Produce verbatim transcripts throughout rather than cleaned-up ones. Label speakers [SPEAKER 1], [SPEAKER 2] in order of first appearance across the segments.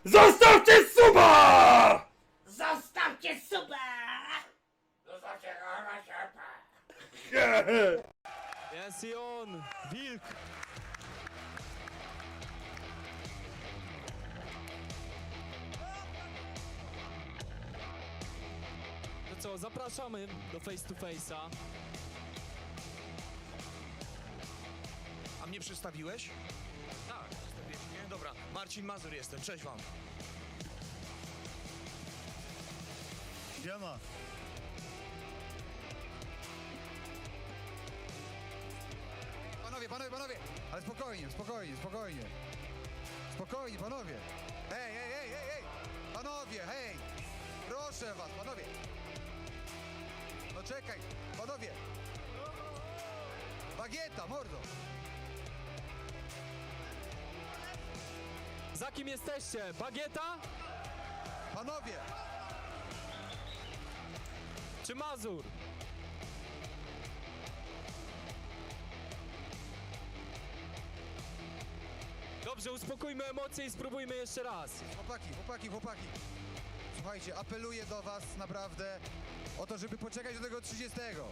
[SPEAKER 1] Zostawcie suba!
[SPEAKER 2] Zostawcie suba!
[SPEAKER 1] Zostawcie suba!
[SPEAKER 3] Jest i on, wilk. To co, zapraszamy do face to face'a.
[SPEAKER 4] A mnie przedstawiłeś?
[SPEAKER 3] Tak.
[SPEAKER 4] Przedstawiłeś mnie? Dobra, Marcin Mazur jestem, cześć wam.
[SPEAKER 5] Siema. Panowie, panowie, panowie! Ale spokojnie, spokojnie, spokojnie. Spokojnie, panowie. Hej, hej, hej, hej, hej! Panowie, hej! Proszę was, panowie! No czekaj, panowie! Bagieta, mordo!
[SPEAKER 3] Za kim jesteście? Bagieta
[SPEAKER 5] Panowie!
[SPEAKER 3] czy Mazur? Dobrze, uspokójmy emocje i spróbujmy jeszcze raz.
[SPEAKER 5] Chłopaki, chłopaki, chłopaki! Słuchajcie, apeluję do was naprawdę o to, żeby poczekać do tego trzydziestego.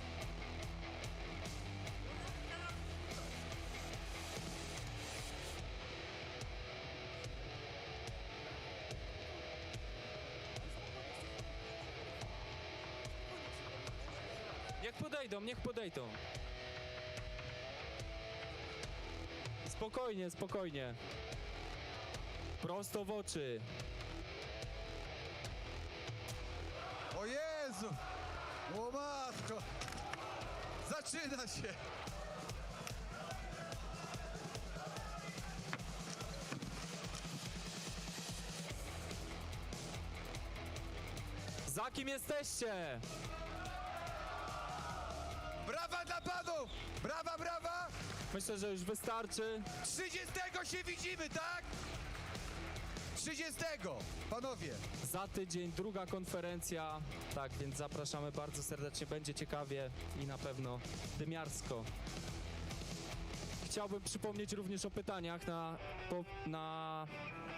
[SPEAKER 3] Niech podejdą, niech podejdą. Spokojnie, spokojnie. Prosto w oczy.
[SPEAKER 5] O Jezu! O matko! Zaczyna się!
[SPEAKER 3] Za kim jesteście?
[SPEAKER 5] Brawa dla panów! Brawa, brawa!
[SPEAKER 3] Myślę, że już wystarczy.
[SPEAKER 5] trzydziestego się widzimy, tak? trzydziestego! Panowie!
[SPEAKER 3] Za tydzień druga konferencja. Tak, więc zapraszamy bardzo serdecznie. Będzie ciekawie i na pewno dymiarsko. Chciałbym przypomnieć również o pytaniach na, po, na